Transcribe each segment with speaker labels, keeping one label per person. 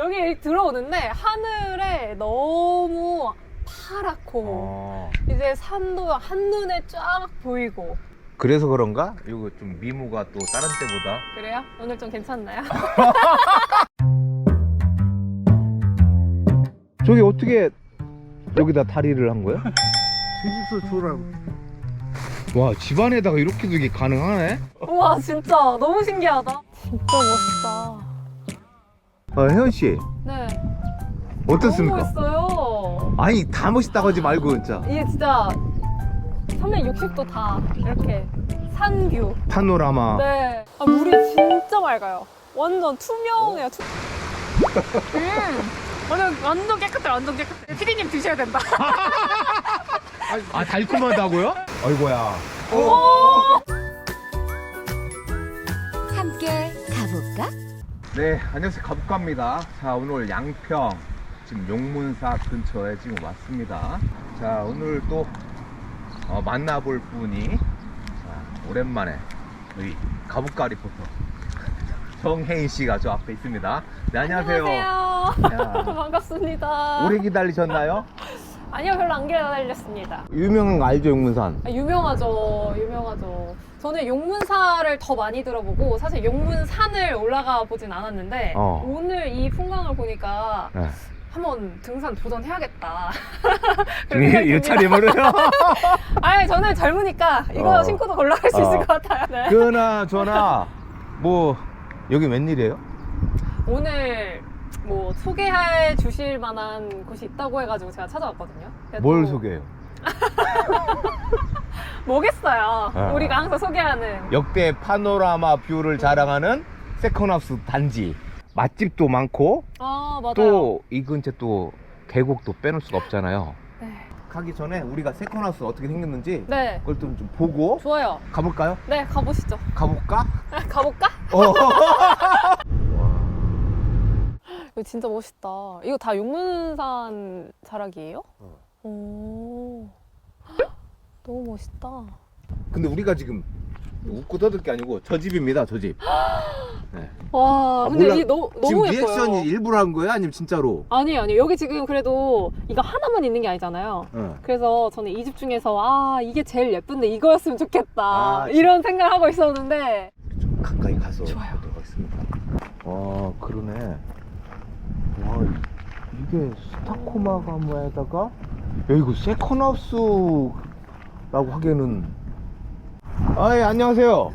Speaker 1: 여기 들어오는데 하늘에 너무 파랗고 이제 산도 한눈에 쫙 보이고.
Speaker 2: 그래서 그런가? 이거 좀 미모가 또 다른 때보다.
Speaker 1: 그래요? 오늘 좀 괜찮나요?
Speaker 2: 저기 어떻게 여기다 다리를 한 거야?
Speaker 3: 뒤집어 주라고.
Speaker 2: 와, 집안에다가 이렇게 두기 가능하네?
Speaker 1: 우와 진짜 너무 신기하다. 진짜 멋있다.
Speaker 2: 혜연 씨,
Speaker 1: 네.
Speaker 2: 어떻습니까?
Speaker 1: 너무 멋있어요.
Speaker 2: 아니, 다 멋있다고 하지 말고 진짜.
Speaker 1: 이게 진짜 360도 다 이렇게 산뷰.
Speaker 2: 파노라마.
Speaker 1: 네. 아, 물이 진짜 맑아요. 완전 투명해요. 완전 깨끗해, 완전 깨끗해. 피디님 드셔야 된다.
Speaker 2: 아, 달콤하다고요? 아이고야.
Speaker 4: 함께 가볼까?
Speaker 2: 네, 안녕하세요. 가볼까입니다. 자, 오늘 양평 지금 용문사 근처에 지금 왔습니다. 자, 오늘 또 만나볼 분이 오랜만에 우리 가볼까 리포터 정혜인 씨가 저 앞에 있습니다. 네, 안녕하세요.
Speaker 1: 안녕하세요. 반갑습니다.
Speaker 2: 오래 기다리셨나요?
Speaker 1: 아니요, 별로 안 기다렸습니다.
Speaker 2: 유명한 거 알죠, 용문산?
Speaker 1: 아, 유명하죠, 유명하죠. 저는 용문사를 더 많이 들어보고 사실 용문산을 올라가 보진 않았는데 오늘 이 풍광을 보니까
Speaker 2: 네.
Speaker 1: 한번 등산 도전해야겠다.
Speaker 2: 이 차림으로요?
Speaker 1: 아니, 저는 젊으니까 이거 신고도 올라갈 수 있을 것 같아요. 네.
Speaker 2: 그나저나 뭐 여기 웬일이에요?
Speaker 1: 오늘 뭐 소개해 주실 만한 곳이 있다고 해가지고 제가 찾아왔거든요.
Speaker 2: 뭘 소개해요?
Speaker 1: 뭐겠어요.
Speaker 2: 아.
Speaker 1: 우리가 항상 소개하는
Speaker 2: 역대 파노라마 뷰를 자랑하는 세컨하우스 단지. 맛집도 많고
Speaker 1: 아, 맞아요.
Speaker 2: 또 이 근처 또 계곡도 빼놓을 수가 없잖아요.
Speaker 1: 네.
Speaker 2: 가기 전에 우리가 세컨하우스 어떻게 생겼는지
Speaker 1: 네.
Speaker 2: 그걸 좀 보고
Speaker 1: 좋아요.
Speaker 2: 가볼까요?
Speaker 1: 네, 가보시죠.
Speaker 2: 가볼까?
Speaker 1: 가볼까?
Speaker 2: 어.
Speaker 1: 이거 진짜 멋있다. 이거 다 용문산 자락이에요? 오. 너무 멋있다.
Speaker 2: 근데 우리가 지금 웃고 떠들 게 아니고 저 집입니다, 저 집. 네.
Speaker 1: 와, 근데
Speaker 2: 몰라.
Speaker 1: 이게 너무
Speaker 2: 지금
Speaker 1: 예뻐요.
Speaker 2: 리액션이 일부러 한 거예요? 아니면 진짜로?
Speaker 1: 아니에요, 아니에요. 여기 지금 그래도 이거 하나만 있는 게 아니잖아요. 그래서 저는 이 집 중에서 이게 제일 예쁜데 이거였으면 좋겠다. 이런 생각을 하고 있었는데.
Speaker 2: 좀 가까이 가서
Speaker 1: 좋아요.
Speaker 2: 보도록 하겠습니다. 와, 그러네. 와, 이게 스타코마가모에다가 야, 이거 세컨하우스라고 하기에는 예, 안녕하세요.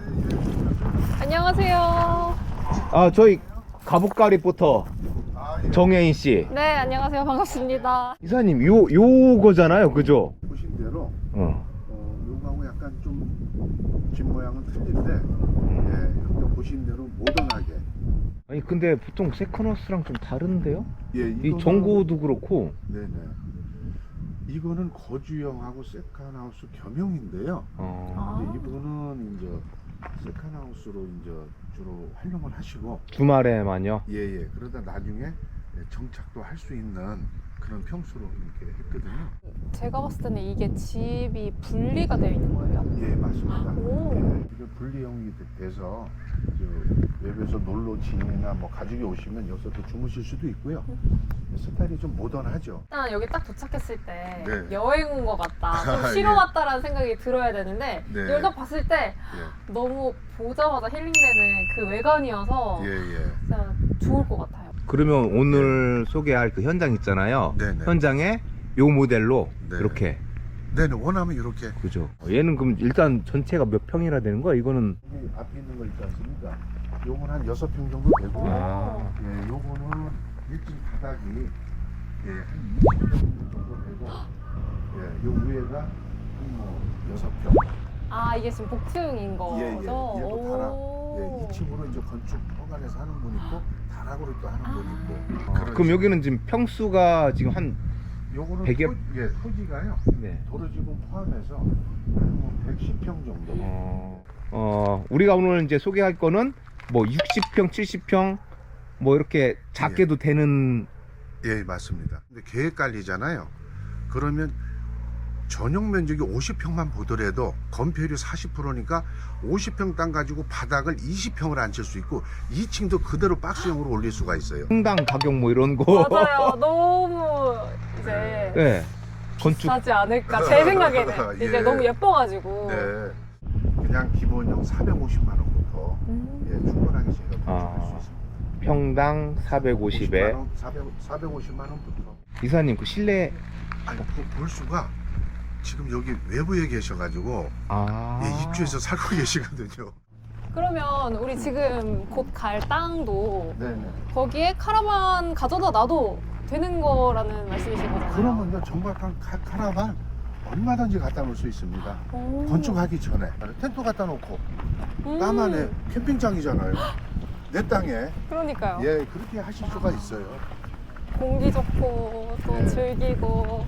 Speaker 1: 안녕하세요.
Speaker 2: 저희 가볼까 리포터 정혜인 씨.
Speaker 1: 네, 안녕하세요. 반갑습니다.
Speaker 2: 이사님, 요거잖아요, 그죠?
Speaker 3: 보신 대로 요거하고 약간 좀 집 모양은 틀린데 이렇게 보신 대로 모던하게.
Speaker 2: 아니, 근데 보통 세컨하우스랑 좀 다른데요?
Speaker 3: 예,
Speaker 2: 이 정고도 그렇고.
Speaker 3: 네네. 이거는 거주형하고 세컨하우스 겸용인데요. 근데 이분은 이제 세컨하우스로 이제 주로 활용을 하시고
Speaker 2: 주말에만요?
Speaker 3: 예예. 그러다 나중에 정착도 할 수 있는 그런 평수로 이렇게 했거든요.
Speaker 1: 제가 봤을 때는 이게 집이 분리가 되어 있는 거예요?
Speaker 3: 예, 맞습니다.
Speaker 1: 오.
Speaker 3: 예, 이게 분리형이 돼서 외부에서 놀러 지인이나 뭐 가족이 오시면 여기서 또 주무실 수도 있고요. 스타일이 좀 모던하죠.
Speaker 1: 일단 여기 딱 도착했을 때
Speaker 3: 네.
Speaker 1: 여행 온 것 같다, 좀 쉬러
Speaker 3: 예.
Speaker 1: 왔다라는 생각이 들어야 되는데
Speaker 3: 네.
Speaker 1: 여기 딱 봤을 때 너무 보자마자 힐링되는 그 외관이어서
Speaker 3: 예예.
Speaker 1: 진짜 좋을 것 같아요.
Speaker 2: 그러면 오늘 소개할 그 현장 있잖아요.
Speaker 3: 네네.
Speaker 2: 현장에 요 모델로
Speaker 3: 네.
Speaker 2: 이렇게.
Speaker 3: 네네. 원하면 이렇게.
Speaker 2: 그죠. 얘는 그럼 일단 전체가 몇 평이라 되는 거야? 이거는.
Speaker 3: 여기 앞에 있는 거 있지 않습니까? 요건 한 6평 정도 되고요.
Speaker 2: 아.
Speaker 3: 예, 요거는 1층 바닥이 한 20평 정도 되고, 요 위에가 한 6평.
Speaker 1: 이게 지금 복층인 거죠?
Speaker 3: 예, 예. 얘도 다락.
Speaker 1: 오.
Speaker 3: 2층으로 이제 건축 허가내서 하는 분 있고, 다락으로 또 하는 분 있고.
Speaker 2: 그럼 여기는 지금 평수가 지금 한
Speaker 3: 요거는
Speaker 2: 100여...
Speaker 3: 토지가요.
Speaker 2: 네.
Speaker 3: 도로지구 포함해서 한 110평 정도.
Speaker 2: 우리가 오늘 이제 소개할 거는 뭐 60평, 70평 뭐 이렇게 작게도 되는.
Speaker 3: 예, 맞습니다. 근데 계획 관리잖아요. 그러면 전용 면적이 50평만 보더라도 건폐율이 40%니까 50평 땅 가지고 바닥을 20평을 앉힐 수 있고 2층도 그대로 박스형으로 올릴 수가 있어요.
Speaker 2: 평당 가격 뭐 이런 거.
Speaker 1: 맞아요. 너무 이제
Speaker 2: 네. 건축.
Speaker 1: 비싸지 않을까 제 생각에는
Speaker 3: 예.
Speaker 1: 이제 너무 예뻐가지고.
Speaker 3: 네. 그냥 기본형 450만 원부터 충분하게 저희가 건축할 수 있습니다.
Speaker 2: 평당 450에
Speaker 3: 450만 원부터.
Speaker 2: 이사님 그 실내
Speaker 3: 아니 볼 수가 지금 여기 외부에 계셔가지고 입주해서 살고 계시거든요.
Speaker 1: 그러면 우리 지금 곧 갈 땅도
Speaker 3: 네네.
Speaker 1: 거기에 카라반 가져다 놔도 되는 거라는 말씀이신 거잖아요.
Speaker 3: 그러면요 정박한 카라반 얼마든지 갖다 놓을 수 있습니다.
Speaker 1: 오.
Speaker 3: 건축하기 전에 텐트 갖다 놓고 땅 안에 캠핑장이잖아요. 내 땅에
Speaker 1: 그러니까요.
Speaker 3: 예 그렇게 하실 수가 있어요.
Speaker 1: 공기 좋고 또
Speaker 3: 네.
Speaker 1: 즐기고.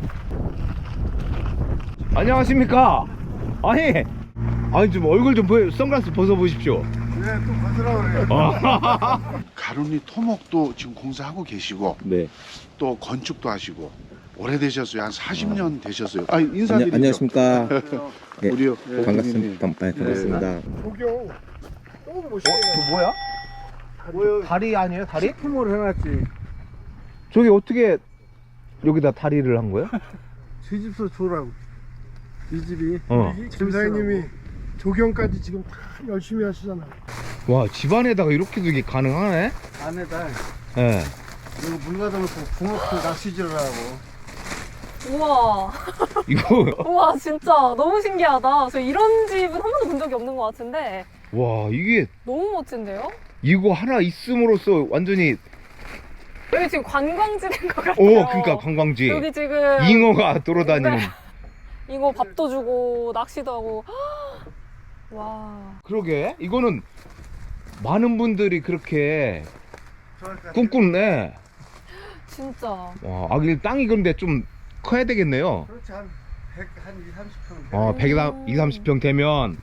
Speaker 2: 안녕하십니까? 아니 좀 얼굴 좀 보여, 선글라스 벗어보십시오.
Speaker 3: 네, 또 벗으라고 그래요. 가루니 토목도 지금 공사하고 계시고
Speaker 2: 네.
Speaker 3: 또 건축도 하시고 오래되셨어요. 한 40년 되셨어요. 아, 인사드리죠.
Speaker 4: 안녕하십니까. 예,
Speaker 3: 우리요.
Speaker 4: 반갑습니다. 반갑습니다.
Speaker 3: 조경 또 모시고.
Speaker 2: 그 뭐야? 다리 아니에요? 다리?
Speaker 5: 식품으로 해놨지.
Speaker 2: 저기 어떻게 여기다 다리를 한 거예요?
Speaker 5: 이 집서 주라고. 이 집이
Speaker 2: 어.
Speaker 5: 사장님이 조경까지 지금 다 열심히 하시잖아.
Speaker 2: 와, 집안에다가 이렇게도 이게 가능하네?
Speaker 5: 안에다
Speaker 2: 예.
Speaker 5: 이거 물 가둬놓고 붕어풀 낚시질을 하고.
Speaker 1: 우와.
Speaker 2: 이거,
Speaker 1: 우와 진짜 너무 신기하다. 저 이런 집은 한 번도 본 적이 없는 것 같은데
Speaker 2: 와, 이게,
Speaker 1: 너무 멋진데요?
Speaker 2: 이거 하나 있음으로써 완전히,
Speaker 1: 여기 지금 관광지인 것 같아요.
Speaker 2: 그러니까 관광지.
Speaker 1: 여기 지금
Speaker 2: 잉어가 돌아다니는.
Speaker 1: 네. 잉어 밥도 주고 낚시도 하고. 와.
Speaker 2: 그러게, 이거는 많은 분들이 그렇게 꿈꾸네.
Speaker 1: 진짜.
Speaker 2: 와, 이 땅이 그런데 좀 커야 되겠네요.
Speaker 5: 그렇지 한 100, 한 2, 30평.
Speaker 2: 어, 120, 30평 되면.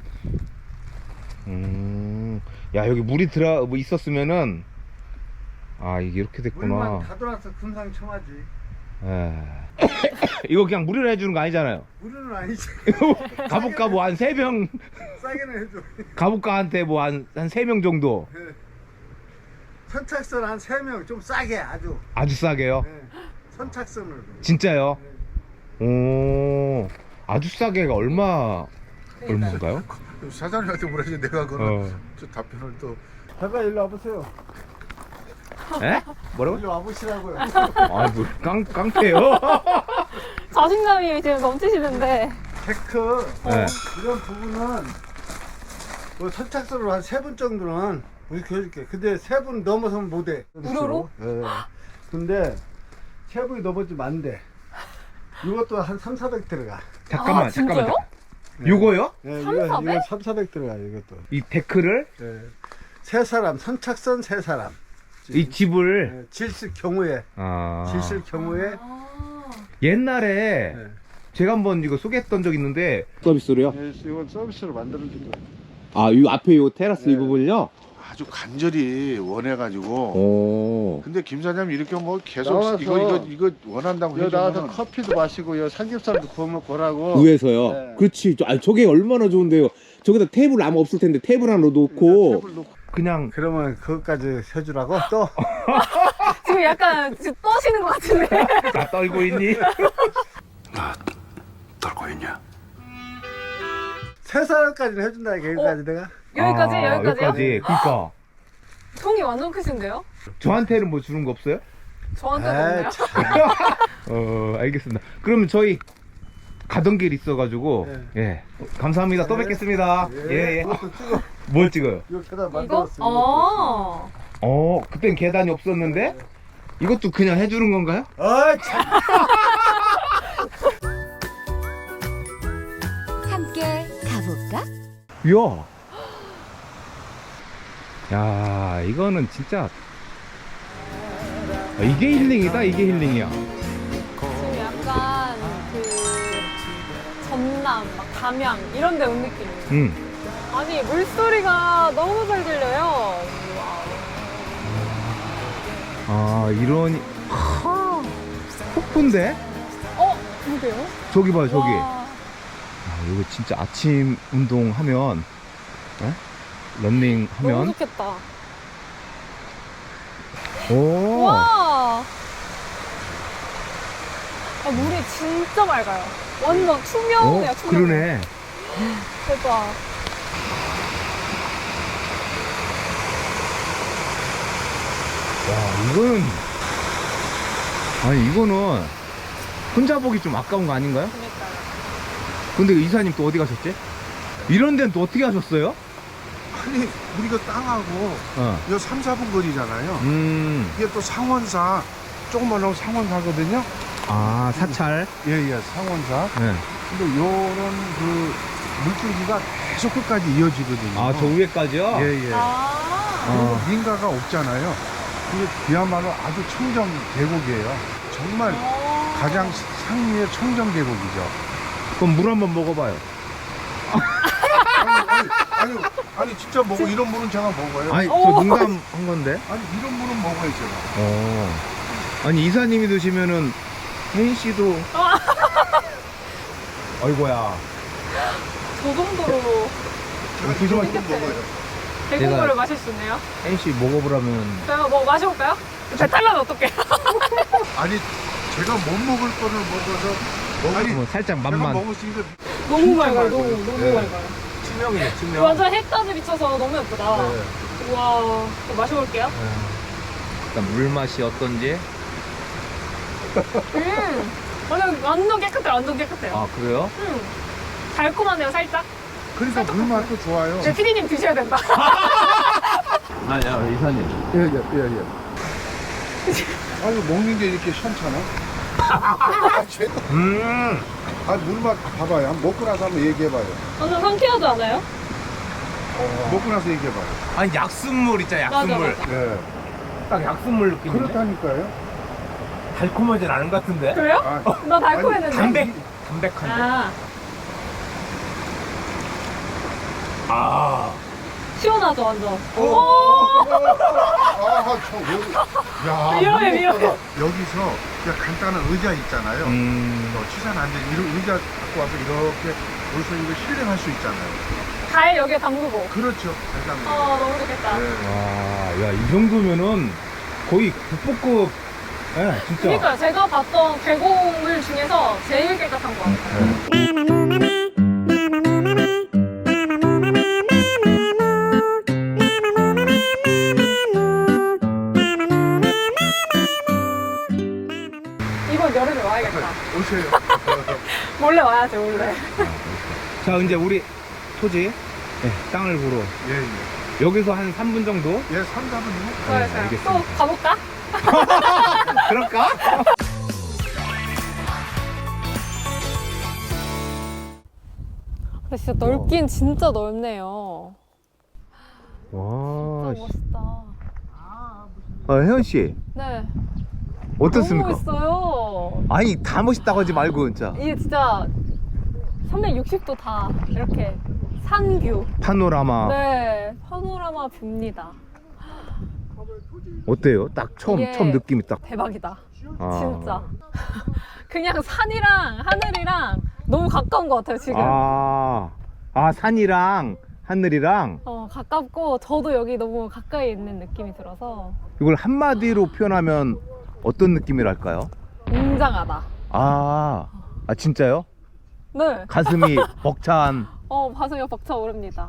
Speaker 2: 야, 여기 물이 뭐 있었으면은, 이게 이렇게
Speaker 5: 물만
Speaker 2: 됐구나.
Speaker 5: 다 돌아서 금상첨화지.
Speaker 2: 에. 이거 그냥 무료로 해주는 거 아니잖아요.
Speaker 5: 우리는 아니지.
Speaker 2: 가볼까 뭐 한 3명,
Speaker 5: 싸게는 해줘.
Speaker 2: 가볼까한테 뭐 한 3명 정도.
Speaker 5: 선착순 한 3명 좀 싸게 아주.
Speaker 2: 아주 싸게요.
Speaker 5: 네. 선착순으로.
Speaker 2: 진짜요? 오, 아주 싸게가 얼마인가요?
Speaker 3: 사장님한테 물어야지 내가 그런
Speaker 2: 어.
Speaker 3: 저 답변을 또.
Speaker 5: 잠깐 일로 와보세요.
Speaker 2: 에? 뭐라고?
Speaker 5: 일로 와보시라고요.
Speaker 2: 뭐 깡패요?
Speaker 1: 자신감이 지금 넘치시는데.
Speaker 5: 데크
Speaker 2: 네.
Speaker 5: 이런 부분은 뭐 선착순으로 한 3분 정도는 이렇게 해줄게. 근데 3분 넘어서면 못해.
Speaker 1: 무료로?
Speaker 5: 예. 근데 3분이 넘어지면 안 돼. 이것도 한 3, 400 들어가.
Speaker 2: 잠깐만,
Speaker 1: 진짜요?
Speaker 2: 잠깐만. 요거요?
Speaker 5: 예,
Speaker 1: 3, 400?
Speaker 5: 이거 3, 400 들어가 이것도.
Speaker 2: 이 데크를,
Speaker 5: 예. 세 사람 선착순 세 사람.
Speaker 2: 이 집을,
Speaker 5: 예, 질실 경우에 질실 경우에
Speaker 2: 옛날에
Speaker 5: 예.
Speaker 2: 제가 한번 이거 소개했던 적 있는데 서비스로요?
Speaker 5: 예, 이건 서비스로 만들어준
Speaker 2: 이
Speaker 5: 거예요.
Speaker 2: 앞에 요 테라스 이
Speaker 5: 네.
Speaker 2: 부분요?
Speaker 3: 아주 간절히 원해가지고.
Speaker 2: 오.
Speaker 3: 근데 김 사장님 이렇게 뭐 계속
Speaker 5: 나와서
Speaker 3: 이거 원한다고
Speaker 5: 여기 나와서
Speaker 3: 해주면
Speaker 5: 커피도 마시고 여기 삼겹살도 구워 먹고 오라고.
Speaker 4: 위에서요.
Speaker 5: 네.
Speaker 4: 그렇지. 저게 얼마나 좋은데요. 저기다 테이블 아무 없을 텐데 테이블 하나 놓고.
Speaker 5: 테이블 놓고.
Speaker 2: 그냥
Speaker 5: 그러면 그것까지 해주라고 또.
Speaker 1: 지금 약간 지금 떠시는 것 같은데.
Speaker 2: 나 떨고 있니?
Speaker 3: 떨고 있냐?
Speaker 5: 세 사람까지는 해준다 이게 여기까지 내가.
Speaker 1: 여기까지? 여기까지요?
Speaker 2: 여기까지. 그니까.
Speaker 1: 통이 완전 크신데요?
Speaker 2: 저한테는 뭐 주는 거 없어요?
Speaker 1: 저한테는
Speaker 5: 에이,
Speaker 1: 없네요.
Speaker 5: 참.
Speaker 2: 알겠습니다. 그러면 저희 가던 길 있어가지고, 예. 감사합니다. 또
Speaker 5: 네.
Speaker 2: 뵙겠습니다. 예, 예.
Speaker 5: 이것도 찍어.
Speaker 2: 뭘 찍어요?
Speaker 5: 이거 계단
Speaker 1: 이거?
Speaker 5: 만들었어.
Speaker 2: 그땐 계단이 없었는데? 이것도 그냥 해주는 건가요?
Speaker 5: 어이 참.
Speaker 6: 함께 가볼까?
Speaker 2: 이야. 야, 이거는 진짜. 이게 힐링이다, 이게 힐링이야.
Speaker 1: 지금 약간 그 전남, 막 담양 이런 데 온 느낌이에요. 아니 물소리가 너무 잘 들려요.
Speaker 2: 이러니. 폭포인데?
Speaker 1: 그러게요?
Speaker 2: 저기 봐요, 저기.
Speaker 1: 와,
Speaker 2: 이거 진짜 아침 운동하면, 런닝
Speaker 1: 너무
Speaker 2: 하면,
Speaker 1: 좋겠다.
Speaker 2: 오,
Speaker 1: 와. 아, 물이 진짜 맑아요. 완전 투명해요, 투명.
Speaker 2: 그러네.
Speaker 1: 대박.
Speaker 2: 와, 이거는, 아니, 이거는 혼자 보기 좀 아까운 거 아닌가요?
Speaker 1: 그러니까요.
Speaker 2: 근데 이사님 또 어디 가셨지? 이런 데는 또 어떻게 하셨어요?
Speaker 3: 아니 우리가 땅하고 이거 3, 4분 거리잖아요. 이게 또 상원사 조금만 하고 상원사거든요.
Speaker 2: 아, 사찰.
Speaker 3: 예예 상원사.
Speaker 2: 네.
Speaker 3: 근데 요런 그 물줄기가 계속 끝까지 이어지거든요.
Speaker 2: 아, 저 위에까지요?
Speaker 3: 예예.
Speaker 1: 아.
Speaker 3: 그리고 민가가 없잖아요. 이게 그야말로 아주 청정 계곡이에요. 정말 가장 상류의 청정 계곡이죠.
Speaker 2: 그럼 물 한번 먹어봐요.
Speaker 3: 아니 진짜 먹어 이런 물은 제가 먹어요.
Speaker 2: 아니, 저
Speaker 1: 오.
Speaker 2: 농담한 건데.
Speaker 3: 아니 이런 물은 먹어요 제가.
Speaker 2: 아니, 이사님이 드시면은 혜인 씨도. 아이고야.
Speaker 1: 저 정도로
Speaker 2: 조심하시.
Speaker 3: 먹어요.
Speaker 1: 대공물을
Speaker 2: 제가-
Speaker 1: 마실 수 있네요.
Speaker 2: 혜인 씨 먹어보라면.
Speaker 1: 제가 뭐 마셔볼까요? 배탈 나면 어떡해.
Speaker 3: 아니 제가 못 먹을 거를 먹어서 아니
Speaker 2: 뭐 살짝
Speaker 3: 제가
Speaker 2: 맛만.
Speaker 3: 먹을 수 있는
Speaker 1: 너무
Speaker 3: 진짜
Speaker 1: 맑아요,
Speaker 3: 맑아요.
Speaker 1: 너무
Speaker 3: 네.
Speaker 1: 맑아요.
Speaker 2: 투명이네, 투명.
Speaker 1: 완전 해까지 비쳐서 너무 예쁘다.
Speaker 3: 네.
Speaker 1: 우와, 또 마셔볼게요.
Speaker 2: 일단 물 맛이 어떤지.
Speaker 1: 완전 깨끗해요, 완전 깨끗해요.
Speaker 2: 아, 그래요?
Speaker 1: 달콤하네요, 살짝.
Speaker 3: 그러니까 물 맛도 좋아요.
Speaker 1: 네, 피디님 드셔야 된다.
Speaker 2: 아니야, 이사님.
Speaker 3: 예예. 아유 먹는 게 이렇게 시원찮아? 아 물맛 봐봐요. 한번 먹고 나서 한번 얘기해봐요.
Speaker 1: 완전 상쾌하지 않아요?
Speaker 3: 먹고 나서 얘기해봐요.
Speaker 2: 아니, 약순물 있잖아, 약순물.
Speaker 1: 맞아.
Speaker 3: 예.
Speaker 2: 딱 약순물 느낌인데.
Speaker 3: 그렇다니까요.
Speaker 2: 달콤하진 않은 것 같은데.
Speaker 1: 그래요?
Speaker 3: 아,
Speaker 1: 나 달콤했는데.
Speaker 2: 담백한데.
Speaker 1: 아, 시원하죠, 완전.
Speaker 3: 야,
Speaker 1: 위험해, 위험해.
Speaker 3: 여기서 그냥 간단한 의자 있잖아요. 취사는 안 되지. 이런 의자 갖고 와서 이렇게 벌써 이거 힐링할 수 있잖아요.
Speaker 1: 달 여기에 담그고.
Speaker 3: 그렇죠. 간단한.
Speaker 1: 너무 좋겠다.
Speaker 3: 네.
Speaker 2: 와, 야, 이 정도면은 거의 국보급. 예, 진짜.
Speaker 1: 그러니까 제가 봤던 계곡물 중에서 제일 깨끗한 것 같아요. 이번 여름에 와야겠다.
Speaker 3: 오세요.
Speaker 1: 몰래 와야지, 몰래.
Speaker 2: 자, 이제 우리 토지, 땅을 보러.
Speaker 3: 예, 예.
Speaker 2: 여기서 한 3분 정도?
Speaker 3: 예, 3, 4분이요?
Speaker 1: 좋아요,
Speaker 2: 네,
Speaker 1: 좋아요.
Speaker 2: 알겠습니다.
Speaker 1: 또 가볼까?
Speaker 2: 그럴까?
Speaker 1: 근데 진짜 넓긴 진짜 넓네요.
Speaker 2: 와,
Speaker 1: 진짜 멋있다.
Speaker 2: 혜연씨,
Speaker 1: 네.
Speaker 2: 어떻습니까?
Speaker 1: 너무 멋있어요.
Speaker 2: 아니, 다 멋있다고 하지 말고, 진짜.
Speaker 1: 이게 진짜 360도 다 이렇게 산뷰.
Speaker 2: 파노라마.
Speaker 1: 네, 파노라마 뷰입니다.
Speaker 2: 어때요? 딱 처음
Speaker 1: 이게
Speaker 2: 느낌이 딱.
Speaker 1: 대박이다.
Speaker 2: 아.
Speaker 1: 진짜. 그냥 산이랑 하늘이랑 너무 가까운 것 같아요, 지금.
Speaker 2: 산이랑 하늘이랑
Speaker 1: 가깝고 저도 여기 너무 가까이 있는 느낌이 들어서
Speaker 2: 이걸 한마디로 표현하면 어떤 느낌이랄까요?
Speaker 1: 웅장하다.
Speaker 2: 진짜요?
Speaker 1: 네.
Speaker 2: 가슴이 벅찬.
Speaker 1: 가슴이 벅차오릅니다.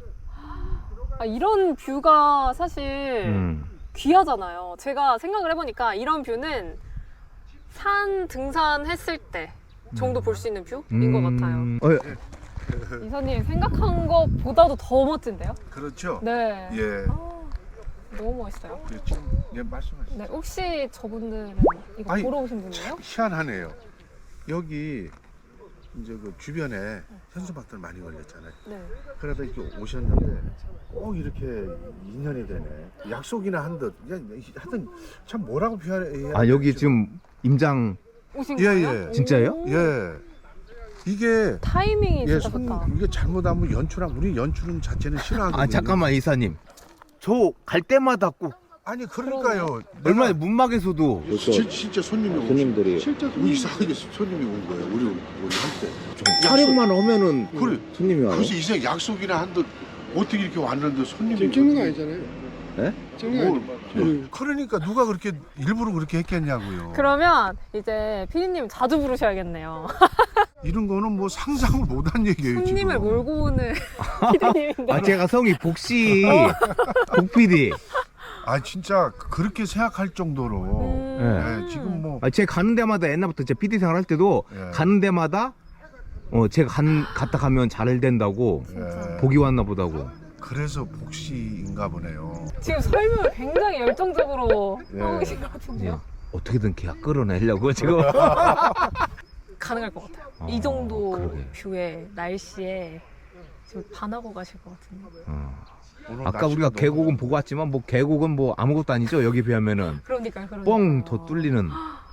Speaker 1: 이런 뷰가 사실 귀하잖아요. 제가 생각을 해보니까 이런 뷰는 산 등산했을 때 정도 볼 수 있는 뷰인 것 같아요. 이사님 생각한 것보다도 더 멋진데요?
Speaker 3: 그렇죠.
Speaker 1: 네.
Speaker 3: 예.
Speaker 1: 너무 멋있어요.
Speaker 3: 그렇죠. 예, 말씀하세요.
Speaker 1: 네, 혹시 저분들은 이거
Speaker 3: 아니,
Speaker 1: 보러 오신 분이에요?
Speaker 3: 참 희한하네요. 여기 이제 그 주변에 현수막들 많이 걸렸잖아요.
Speaker 1: 네.
Speaker 3: 그러다 이렇게 오셨는데 꼭 이렇게 인연이 되네. 약속이나 한 듯. 하여튼 참 뭐라고 표현해야
Speaker 2: 여기 지금 임장.
Speaker 1: 오신
Speaker 3: 예,
Speaker 1: 거예요?
Speaker 3: 예.
Speaker 2: 진짜예요?
Speaker 1: 오.
Speaker 3: 예. 이게
Speaker 1: 타이밍이 진짜 좋다.
Speaker 3: 이게 잘못하면 우리 연출은 자체는 싫어하거든요.
Speaker 2: 잠깐만, 이사님. 저 갈 때마다 꼭
Speaker 3: 아니 그러니까요.
Speaker 2: 얼마나 문막에서도
Speaker 3: 진짜 손님이 오고
Speaker 4: 손님들이
Speaker 3: 실제 이상하게 손님이 온 거예요. 우리 한테.
Speaker 4: 촬영만 하면은
Speaker 3: 그래.
Speaker 4: 손님이 와요.
Speaker 3: 그래서 이상 약속이나 한들 어떻게 이렇게 왔는데 손님이
Speaker 5: 지금 찍는 거 아니잖아요.
Speaker 4: 네?
Speaker 5: 찍는 거 아니죠.
Speaker 3: 그러니까 누가 그렇게 일부러 그렇게 했겠냐고요.
Speaker 1: 그러면 이제 피디님 자주 부르셔야겠네요.
Speaker 3: 이런 거는 뭐 상상을 못한 얘기예요.
Speaker 1: 손님을
Speaker 3: 지금.
Speaker 1: 몰고 오는 피디님인데.
Speaker 2: 아 제가 성이 복씨 복PD.
Speaker 3: 아 진짜 그렇게 생각할 정도로 네, 지금 뭐
Speaker 2: 아, 제가 가는 데마다 옛날부터 제 PD 생활 할 때도
Speaker 3: 예.
Speaker 2: 가는 데마다 제가 갔다 가면 잘 된다고
Speaker 3: 예,
Speaker 2: 복이 왔나 보다고.
Speaker 3: 그래서 복시인가 보네요.
Speaker 1: 지금 설명을 굉장히 열정적으로
Speaker 3: 예.
Speaker 1: 하고 계신 것 같은데요.
Speaker 2: 어떻게든 계약 끌어내려고 지금.
Speaker 1: 가능할 것 같아요.
Speaker 2: 어,
Speaker 1: 이 정도
Speaker 2: 그러게.
Speaker 1: 뷰에 날씨에 지금 반하고 가실 것 같은데.
Speaker 3: 오늘
Speaker 2: 아까
Speaker 3: 날씨가
Speaker 2: 우리가
Speaker 3: 너무-
Speaker 2: 계곡은 보고 왔지만 뭐 계곡은 뭐 아무것도 아니죠. 여기 비하면은
Speaker 1: 그러니까.
Speaker 2: 뻥 더 뚫리는.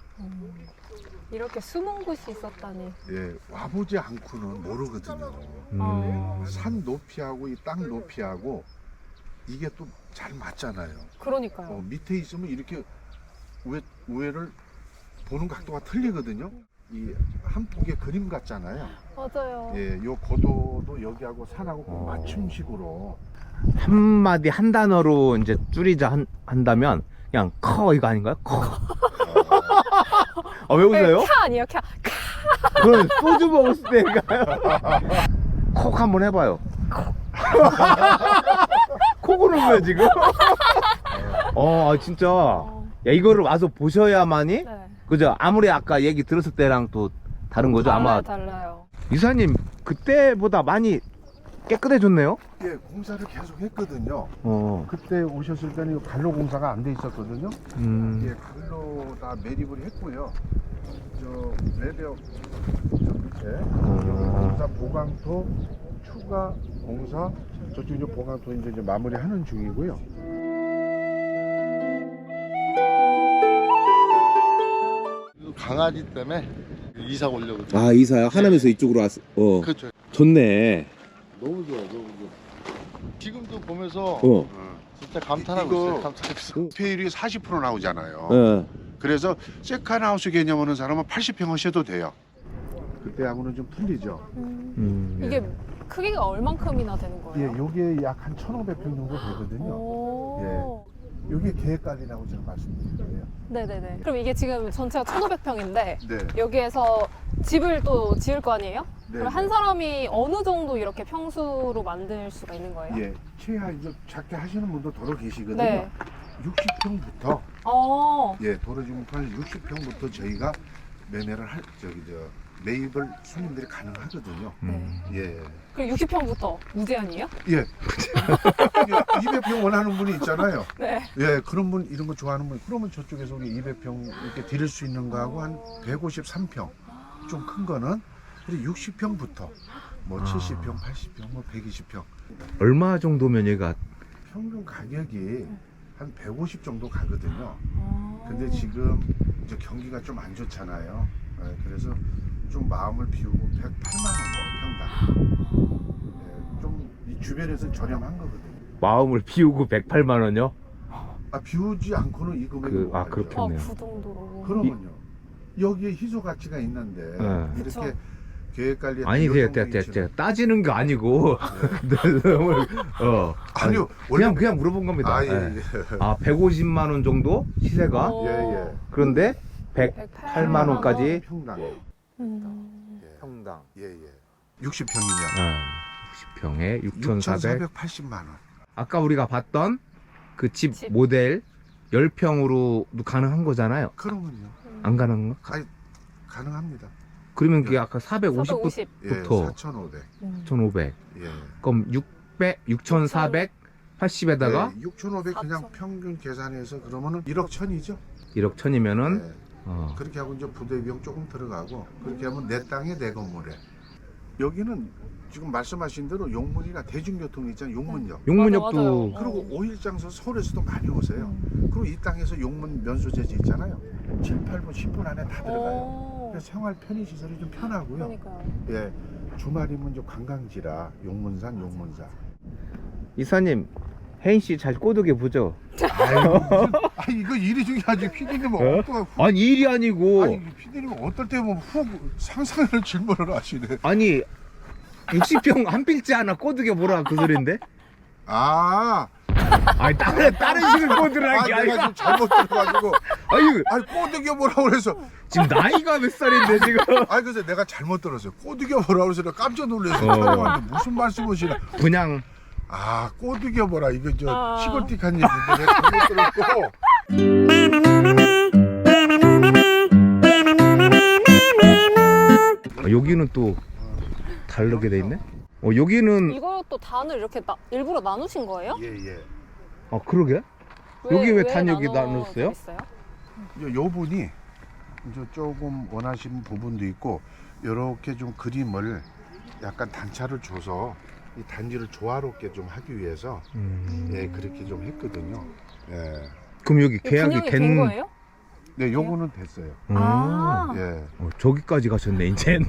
Speaker 1: 이렇게 숨은 곳이 있었다니.
Speaker 3: 예, 와보지 않고는 모르거든요.
Speaker 1: 어.
Speaker 3: 산 높이하고 이 땅 높이하고 이게 또 잘 맞잖아요.
Speaker 1: 그러니까요.
Speaker 3: 밑에 있으면 이렇게 우회를 보는 각도가 틀리거든요. 이 한 폭의 그림 같잖아요.
Speaker 1: 맞아요.
Speaker 3: 예, 요 고도도 여기하고 산하고 꼭
Speaker 2: 어.
Speaker 3: 맞춤식으로.
Speaker 2: 한마디 한 단어로 이제 줄이자 한다면 그냥 커 이거 아닌가요? 커. 왜 웃어요?
Speaker 1: 캬 아니에요, 캬.
Speaker 2: 그건 소주 먹었을 때인가요? 콕 한번 해봐요. 콕 오는 거야 지금? 진짜. 야 이거를 와서 보셔야만이
Speaker 1: 네.
Speaker 2: 그죠? 아무리 아까 얘기 들었을 때랑 또 다른 거죠? 아마
Speaker 1: 달라요.
Speaker 2: 이사님 그때보다 많이 깨끗해졌네요?
Speaker 3: 예, 공사를 계속 했거든요.
Speaker 2: 어.
Speaker 3: 그때 오셨을 때는 이 갈로 공사가 안 돼 있었거든요.
Speaker 2: 음.
Speaker 3: 예, 갈로 다 매립을 했고요. 저 외벽 저 밑에 공사 보강토 추가 공사 저쪽 이제 보강토 이제 마무리하는 중이고요.
Speaker 7: 강아지 때문에 이사 오려고.
Speaker 4: 아 이사요? 하남에서 이쪽으로 왔어.
Speaker 7: 그렇죠.
Speaker 4: 좋네.
Speaker 7: 너무 좋아, 너무 좋아. 지금도 보면서 진짜 감탄하고
Speaker 3: 이거-
Speaker 7: 있어요. 감탄하고 있어요.
Speaker 3: 페율이 40% 나오잖아요.
Speaker 4: 예.
Speaker 3: 그래서 세컨하우스 개념 하는 사람은 80평 하셔도 돼요. 그때하고는 좀 틀리죠.
Speaker 1: 이게 크기가 얼만큼이나 되는
Speaker 3: 예,
Speaker 1: 거예요?
Speaker 3: 요게 약 한 1,500평 정도 되거든요.
Speaker 1: 오.
Speaker 3: 요게 계획관리라고 제가 말씀드린 거예요.
Speaker 1: 네네네. 그럼 이게 지금 전체가 1,500평인데
Speaker 3: 네.
Speaker 1: 여기에서 집을 또 지을 거 아니에요?
Speaker 3: 네.
Speaker 1: 그럼 한 사람이 어느 정도 이렇게 평수로 만들 수가 있는 거예요?
Speaker 3: 예, 최하 이제 작게 하시는 분도 도로 계시거든요.
Speaker 1: 네.
Speaker 3: 60평부터
Speaker 1: 네.
Speaker 3: 도로 지금까지 60평부터 저희가 매매를 매입을 손님들이 가능하거든요.
Speaker 1: 네.
Speaker 3: 예.
Speaker 1: 그리고 60평부터 무제한이에요?
Speaker 3: 예. 200평 원하는 분이 있잖아요.
Speaker 1: 네.
Speaker 3: 예, 그런 분 이런 거 좋아하는 분 그러면 저쪽에서 우리 200평 이렇게 드릴 수 있는 거하고 한 153평 좀 큰 거는 그리고 60평부터 뭐 70평, 80평, 뭐 120평
Speaker 2: 얼마 정도면 얘가
Speaker 3: 평균 가격이 한 150 정도 가거든요.
Speaker 1: 아.
Speaker 3: 근데 지금 이제 경기가 좀 안 좋잖아요. 예, 그래서 좀 마음을 비우고 108만 원 평당. 예, 좀 이 주변에서 저렴한 거거든요.
Speaker 2: 마음을 비우고 108만 원요?
Speaker 3: 아 비우지 않고는 이 금액을 못 가죠.
Speaker 2: 그렇게.
Speaker 1: 아,
Speaker 2: 좋네요.
Speaker 1: 그 정도로.
Speaker 3: 그러면요. 여기에 희소 가치가 있는데 이렇게
Speaker 1: 그쵸.
Speaker 3: 계획 관리
Speaker 2: 아니 제가 따지는 게 아니고 너무
Speaker 3: 아니요
Speaker 2: 그냥 물어본 겁니다.
Speaker 3: 아,
Speaker 2: 예.
Speaker 3: 예, 예.
Speaker 2: 150만 원 정도 시세가
Speaker 1: 오.
Speaker 3: 예, 예.
Speaker 2: 그런데 108만 원까지
Speaker 3: 평당.
Speaker 1: 음.
Speaker 2: 평당.
Speaker 3: 예, 예. 60평이면
Speaker 2: 60평에 6,400.
Speaker 3: 6,480만 원.
Speaker 2: 아까 우리가 봤던 그 집
Speaker 1: 집.
Speaker 2: 모델 10평으로도 가능한 거잖아요.
Speaker 3: 그러면요.
Speaker 2: 안 가능한가?
Speaker 3: 가능합니다.
Speaker 2: 그러면 그게 아까 450부터
Speaker 1: 450.
Speaker 3: 예,
Speaker 2: 부터.
Speaker 3: 4,500.
Speaker 2: 1,500.
Speaker 3: 예.
Speaker 2: 그럼 6,480에다가
Speaker 3: 6,500 그냥
Speaker 1: 4,000.
Speaker 3: 평균 계산해서 그러면은 1억 1,000이죠.
Speaker 2: 1억 1,000이면은
Speaker 3: 예. 그렇게 하고 이제 부대 비용 조금 들어가고 그렇게 하면 내 땅에 내 건물에. 여기는 지금 말씀하신 대로 용문이나 대중교통 있잖아요. 용문역.
Speaker 2: 용문역도
Speaker 1: 맞아.
Speaker 3: 그리고 5일 장소 서울에서도 많이 오세요. 그리고 이 땅에서 용문 면소재지 있잖아요. 7, 8분, 10분 안에 다 들어가요.
Speaker 1: 오.
Speaker 3: 그래서 생활 편의 시설이 좀 편하고요.
Speaker 1: 그러니까요.
Speaker 3: 예, 주말이면 이제 관광지라 용문산, 용문사.
Speaker 2: 이사님 혜인 씨 잘 꼬드겨 보죠.
Speaker 3: 아니 이거 일이 중요하지. 피디님은
Speaker 2: 아니 일이 아니고
Speaker 3: 아니 피디님은 어떨 때 보면 훅 상상을 질문을 하시네.
Speaker 2: 아니 60평 한 필지 하나 꼬드겨 보라 그 소린데?
Speaker 3: 아,
Speaker 2: 아니 다른 식을 꼬드라는 게
Speaker 3: 내가
Speaker 2: 아니라.
Speaker 3: 지금 잘못 들어가지고
Speaker 2: 아니
Speaker 3: 꼬드겨 보라고 그래서
Speaker 2: 지금 나이가 몇 살인데 지금?
Speaker 3: 그래서 내가 잘못 들었어요. 꼬드겨 보라고 그래서 내가 깜짝 놀랐어요. 무슨 말씀이시나?
Speaker 2: 그냥
Speaker 3: 꼬드겨 보라 이거 저
Speaker 1: 아.
Speaker 3: 시골틱한 얘기인데 내가 잘못 들었고.
Speaker 2: 여기는 또 다르게 돼 있네? 여기는
Speaker 1: 이것도 단을 이렇게 일부러 나누신 거예요?
Speaker 3: 예.
Speaker 2: 그러게? 여기 왜 단 여기
Speaker 1: 나눠져
Speaker 2: 나눴어요?
Speaker 1: 있어요?
Speaker 3: 요 분이 이제 조금 원하시는 부분도 있고 이렇게 좀 그림을 약간 단차를 줘서 이 단지를 조화롭게 좀 하기 위해서 예 그렇게 좀 했거든요. 예.
Speaker 2: 그럼 여기
Speaker 1: 이거
Speaker 2: 계약이
Speaker 1: 분양이 된 거예요?
Speaker 3: 네, 요거는 됐어요.
Speaker 1: 아.
Speaker 3: 예.
Speaker 2: 저기까지 가셨네 이제.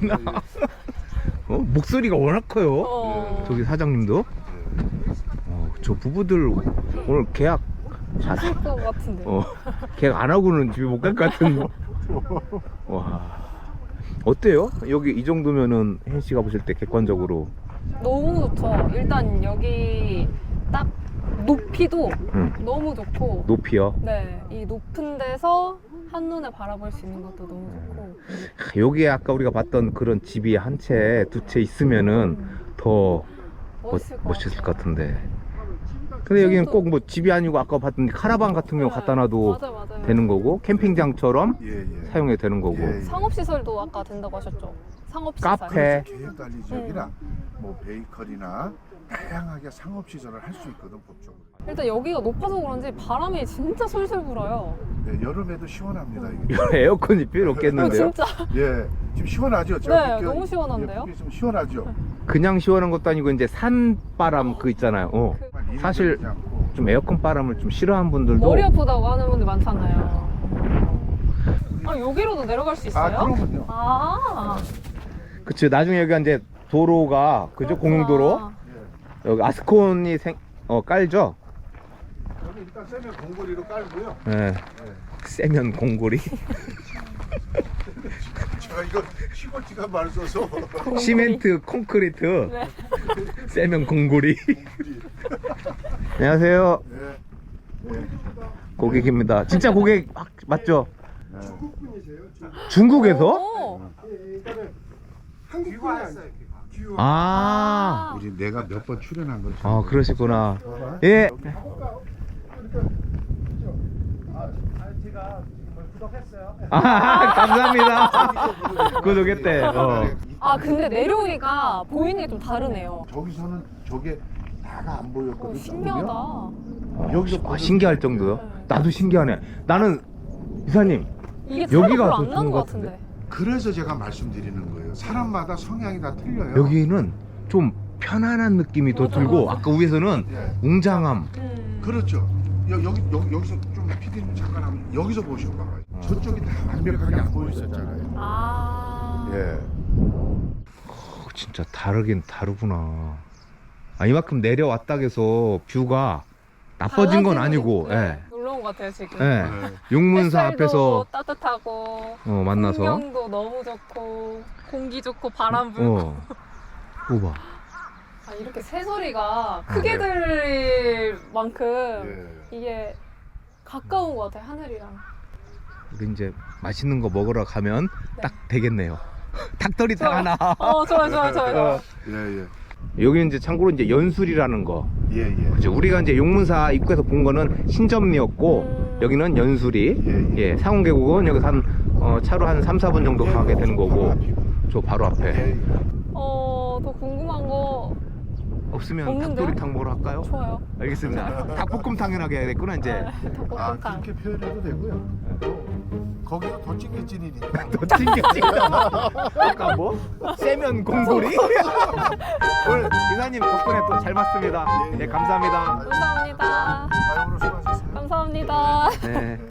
Speaker 2: 목소리가 워낙 커요.
Speaker 1: 어.
Speaker 2: 저기 사장님도. 저 부부들 오늘 계약
Speaker 1: 하실 것 같은데.
Speaker 2: 계약 안 하고는 집에 못 갈 것 같은. 와. 어때요? 여기 이 정도면은 혜인 씨가 보실 때 객관적으로.
Speaker 1: 너무 좋죠. 일단 여기 딱 높이도 너무 좋고.
Speaker 2: 높이요.
Speaker 1: 네, 이 높은 데서 한눈에 바라볼 수 있는 것도 너무 좋고.
Speaker 2: 여기에 아까 우리가 봤던 그런 집이 한 채, 두 채 있으면은 더 멋있을 것 같은데. 근데 여기는 꼭 뭐 집이 아니고 아까 봤던 카라반 같은 경우 갖다 놔도
Speaker 1: 맞아요.
Speaker 2: 되는 거고 캠핑장처럼
Speaker 3: 예.
Speaker 2: 사용해도 되는 거고.
Speaker 3: 예.
Speaker 1: 상업시설도 아까 된다고 하셨죠? 상업시설.
Speaker 2: 카페.
Speaker 3: 계획관리 지역이나 뭐 베이커리나 다양하게 상업 시설을 할 수 있거든 법적으로.
Speaker 1: 일단 여기가 높아서 그런지 바람이 진짜 솔솔 불어요.
Speaker 3: 네, 여름에도 시원합니다 이게.
Speaker 2: 에어컨이 필요 없겠는데요?
Speaker 1: 진짜.
Speaker 3: 예, 지금 시원하죠?
Speaker 1: 네, 너무 시원한데요?
Speaker 3: 예, 좀 시원하죠?
Speaker 2: 그냥 시원한 것도 아니고 이제 산바람 그 있잖아요. 사실 좀 에어컨 바람을 좀 싫어하는 분들도
Speaker 1: 머리 아프다고 하는 분들 많잖아요. 여기로도 내려갈 수 있어요?
Speaker 3: 그럼요.
Speaker 2: 그치. 나중에 여기가 이제 도로가 그죠? 공용도로. 여기 아스콘이 깔죠?
Speaker 3: 여기 일단 세면 공고리로 깔고요.
Speaker 2: 네. 세면 공고리.
Speaker 3: 제가 이거 시골지가 말 써서
Speaker 2: 시멘트 콘크리트.
Speaker 1: 네.
Speaker 2: 세면 공고리. 안녕하세요.
Speaker 3: 네.
Speaker 2: 고객입니다. 진짜 고객 맞죠? 중국에서?
Speaker 1: 오.
Speaker 5: 한국 왔어요.
Speaker 3: 우리 내가 몇 번 출연한 거죠.
Speaker 2: 그러시구나. 예. 감사합니다. 구독했대.
Speaker 1: 근데 내려오니까 보이는 게 좀 다르네요.
Speaker 3: 저기서는 저게 다가 안 보였거든요.
Speaker 1: 신기하다.
Speaker 3: 여기서
Speaker 2: 신기할 정도요? 나도 신기하네. 나는 이사님
Speaker 1: 이게
Speaker 2: 여기가
Speaker 1: 여기가
Speaker 2: 더
Speaker 1: 안
Speaker 2: 좋은
Speaker 1: 나는
Speaker 2: 것
Speaker 1: 것 같은데.
Speaker 3: 그래서 제가 말씀드리는 거예요. 사람마다 성향이 다 틀려요.
Speaker 2: 여기는 좀 편안한 느낌이 더
Speaker 1: 맞아,
Speaker 2: 들고
Speaker 1: 맞아.
Speaker 2: 아까 위에서는
Speaker 3: 예.
Speaker 2: 웅장함.
Speaker 3: 그렇죠. 여기서 좀 피디님 잠깐 한번 여기서 보셔봐요. 저쪽이 다 완벽하게 안 보였었잖아요. 예.
Speaker 2: 진짜 다르긴 다르구나. 이만큼 내려왔다 해서 뷰가 나빠진 건 아니고. 예.
Speaker 1: 놀러 온 것 같아요 지금.
Speaker 2: 예. 용문사
Speaker 1: 햇살도
Speaker 2: 앞에서
Speaker 1: 따뜻하고
Speaker 2: 만나서.
Speaker 1: 풍경도 너무 좋고 공기 좋고 바람 불고.
Speaker 2: 오봐.
Speaker 1: 이렇게 새소리가 크게 들릴 만큼
Speaker 3: 예.
Speaker 1: 이게 가까운 것 같아요 하늘이랑.
Speaker 2: 우리 이제 맛있는 거 먹으러 가면 딱 되겠네요. 닭도리탕 하나.
Speaker 1: 좋아요.
Speaker 3: 예.
Speaker 2: 여기는 이제 참고로 이제 연술이라는 거.
Speaker 3: 예.
Speaker 2: 그죠. 우리가 이제 용문사 입구에서 본 거는 신점리였고 여기는 연술이. 예. 상온계곡은 여기서 한 차로 한 3, 4분 정도 가게 되는 거고. 저 바로 앞에.
Speaker 1: 더 궁금한 거
Speaker 2: 없으면
Speaker 1: 없는데요?
Speaker 2: 닭도리탕 먹으러 갈까요?
Speaker 1: 좋아요.
Speaker 2: 알겠습니다. 닭볶음 당연하게 해야 되겠구나 이제.
Speaker 1: 닭볶음탕.
Speaker 3: 그렇게 표현해도 되고요. 거기가 더 찐개찐이니까.
Speaker 2: 더 튕겨지다. 아까 뭐? 세면 공고리? 오늘 이사님 덕분에 또 잘 봤습니다. 네, 감사합니다.
Speaker 1: 감사합니다.
Speaker 3: 오늘 수고하셨습니다.
Speaker 1: 감사합니다.
Speaker 2: 네.